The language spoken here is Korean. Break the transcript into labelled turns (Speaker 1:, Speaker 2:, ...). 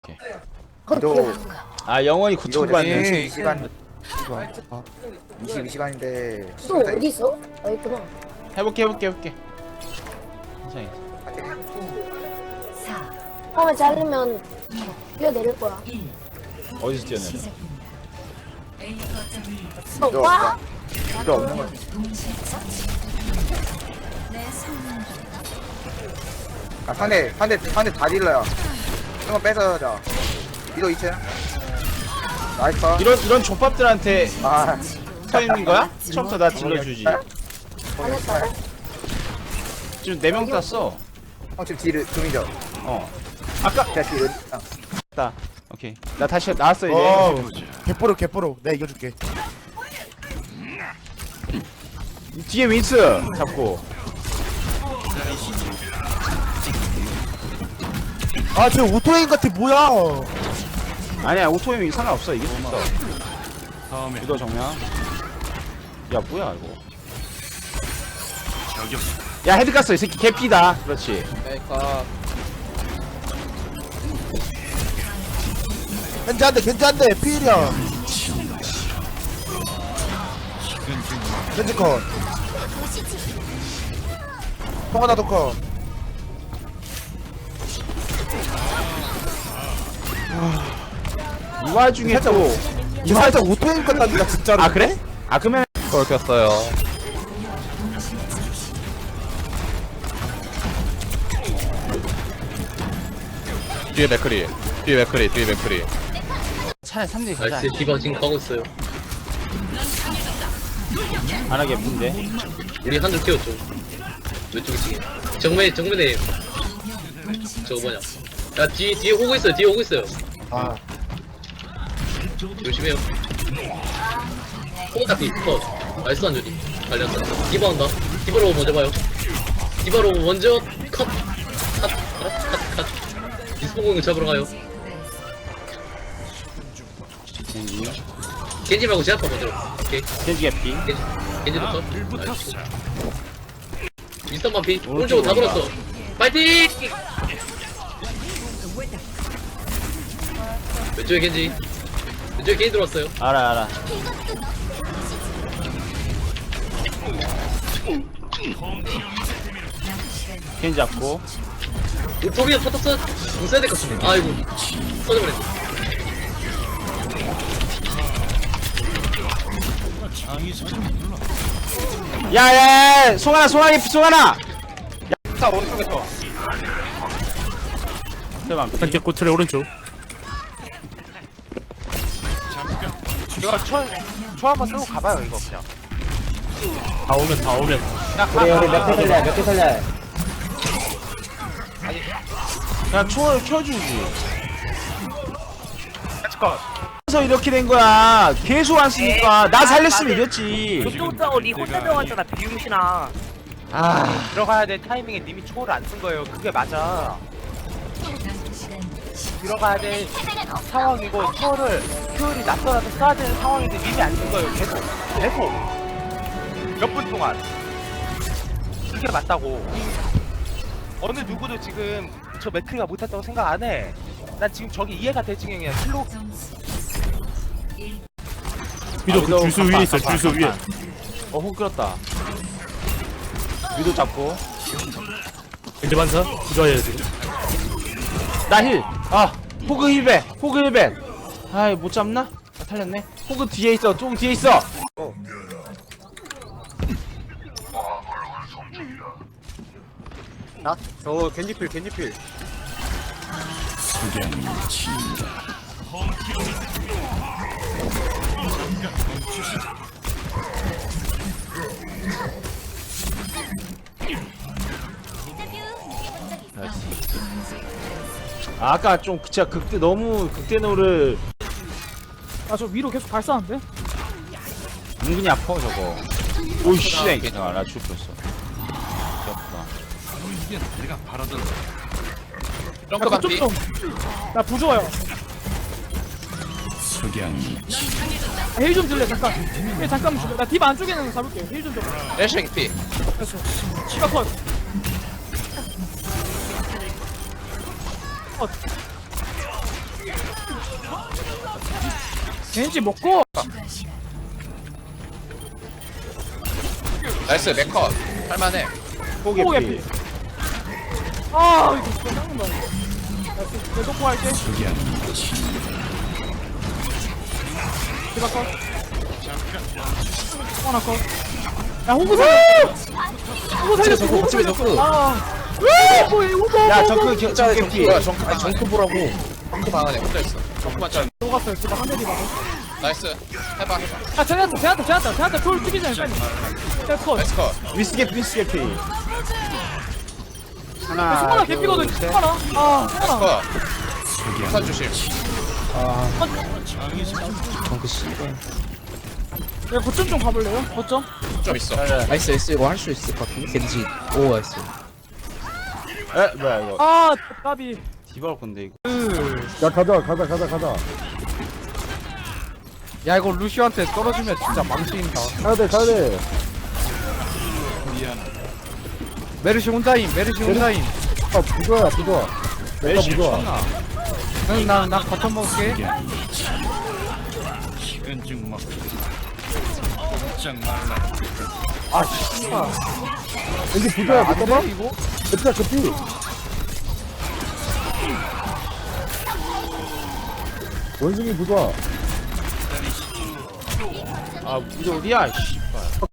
Speaker 1: 너
Speaker 2: 아 영원히
Speaker 1: 이거
Speaker 2: 고통받는
Speaker 1: 22시간 22시간인데
Speaker 3: 또 어디 있어? 아 있구나.
Speaker 2: 해볼게 괜찮아.
Speaker 3: 처음에 자르면 뛰어내릴 거야.
Speaker 2: 어디서 뛰어내려?
Speaker 1: 너
Speaker 3: 와!
Speaker 1: 필요 없는 거 아, 상대 다 딜러야. 한번 뺏어자. 이도 2층. 나이스.
Speaker 2: 이런 족밥들한테
Speaker 1: 아,
Speaker 2: 서있는 거야? 처음부터 나 질러주지.
Speaker 3: 안 했다.
Speaker 2: 지금 4명 땄어.
Speaker 1: 지금 딜을 금이죠.
Speaker 2: 아까
Speaker 1: 제가 딜을.
Speaker 2: 땄다. 오케이. 나 다시 나왔어 이제.
Speaker 4: 개뽀로 내가 이겨줄게.
Speaker 2: 뒤에 윈스 잡고.
Speaker 4: 아 저 오토레인 같아 뭐야.
Speaker 2: 아니야 오토임이 상관없어 이길 수 있어. 유도 정면. 야 뭐야 이거. 야 헤드 깠어 이 새끼 개피다. 그렇지.
Speaker 4: 괜찮은데 필이야. 벤지컷. 통화나도 컷.
Speaker 2: 이 와중에 또.
Speaker 4: 이 살짝 오토레인 같다니까 진짜로.
Speaker 2: 아 그래? 아 그러면
Speaker 5: 꺾였어요. 뒤에 맥크리.
Speaker 2: 차라리 3대 가자.
Speaker 6: 나이스 디바 지금 가고 있어요.
Speaker 2: 안 하게 문데.
Speaker 6: 우리 한줄 키웠죠. 왼쪽에 지금 정면에 저거 뭐냐? 야 뒤에 오고 있어요.
Speaker 4: 아
Speaker 6: 조심해요. 호다 피 컷. 나이스 한줄이 갈렸어. 디바 온다. 디바로 먼저 봐요. 디바로 먼저 컷. 디스포공을 잡으러 가요. 겐지 말고 제압파 먼저. 오케이.
Speaker 2: 겐지 개피.
Speaker 6: 겐지부터. 나이스. 윈스턴만 피. 오른쪽으로 다 돌았어. 파이팅! 왼쪽에 겐지 들어왔어요.
Speaker 2: 알아. 겐지 잡고.
Speaker 6: 우토비아 터졌어. 공 써야 될 것 같은데. 아이고. 터져버렸네.
Speaker 2: 야야 송하나. 자 오른쪽에서. 대박.
Speaker 7: 현재 꼬틀의 오른쪽.
Speaker 5: 이거 초 한번 쓰고 가봐요 이거 그냥.
Speaker 7: 다 오면.
Speaker 2: 우리 몇 개 살려. 야 초를 켜주지. 그래서 이렇게 된 거야. 계속 안 쓰니까 나 살렸으면 이겼지.
Speaker 8: 그쪽도 니 혼자 들어갔잖아 비용신아.
Speaker 5: 들어가야 될 타이밍에 님이 초를 안 쓴 거예요. 그게 맞아. 들어가야 될 상황이고 초를 효율이 낮더라도 써야 되는 상황인데 님이 안 쓴 거예요. 계속 몇 분 동안 그게 맞다고. 어느 누구도 지금 저 맥크리가 못했다고 생각 안 해. 난 지금 저기 이해가 될 지경이야. 슬로
Speaker 7: 위도 그 줄수 위에 있어. 줄수 위에.
Speaker 2: 훅 끌었다. 위도 잡고.
Speaker 7: 벤지 반사. 부조해야 돼.
Speaker 2: 나 힐. 호그 힐벤. 아이 못 잡나? 탈렸네. 호그 뒤에 있어. 좀 뒤에 있어.
Speaker 5: 겐지필.
Speaker 2: 아까 좀 진짜 너무 극대노를
Speaker 8: 저 위로 계속 발사하는데?
Speaker 2: 은근히 아파 저거. 오이씨 괜찮아 나 죽었어. 귀엽다.
Speaker 5: 점프 반피.
Speaker 8: 나 부조화요. 힐 좀 줄래 잠깐. 잠깐만 줄래. 나 딥 안쪽에는 잡을게. 힐 좀 줘.
Speaker 5: 애쉬 피.
Speaker 8: 됐어. 시가 컷. 컷. 겐지 먹고.
Speaker 9: 나이스 맥컷 할만해.
Speaker 2: 호그
Speaker 8: 호그
Speaker 2: 피.
Speaker 8: 개피. 아 이거 진짜 짱난다. 내 속보 할게. 디바 컷. 하나 컷. 야 호구 살려. 호구 살렸어. 호구 살렸어. 아.
Speaker 2: 야 정크 정크 피.
Speaker 9: 뭐야 정크 보라고. 정크 방 안에 혼자 있어. 정크만 잘.
Speaker 8: 녹았어요. 디바 한대 디바.
Speaker 9: 나이스. 해봐.
Speaker 8: 아 제한테 돌 뛰기 전에 빨리. 컷.
Speaker 9: 나이스 컷.
Speaker 2: 위스게 피.
Speaker 8: 승관아
Speaker 2: 하나
Speaker 8: 개피거든.
Speaker 2: 둘, 셋.
Speaker 8: 승관아. 아
Speaker 9: 나이스
Speaker 8: 승관아.
Speaker 9: 컷. 우산 조심.
Speaker 2: 정크 씨발.
Speaker 8: 야 거점 좀 가볼래요? 거점.
Speaker 9: 좀 있어.
Speaker 10: 나이스 나이스 이거 할 수 있을 것 같은데 겐지 오 나이스
Speaker 2: 에 뭐야 이거.
Speaker 8: 아 까비.
Speaker 2: 디바올 건데 이거.
Speaker 4: 야 가자
Speaker 5: 야 이거 루시오한테 떨어지면 진짜 망신이다.
Speaker 4: 가야돼
Speaker 5: 메르시 혼자임.
Speaker 4: 아 부조야 부조 내가 부조
Speaker 5: 나 거점 먹을게.
Speaker 4: 왠지 부조야 못 잡아?
Speaker 5: 이거?
Speaker 4: 진짜 급히 원숭이 부조
Speaker 2: 아 이거 어디야? 씨.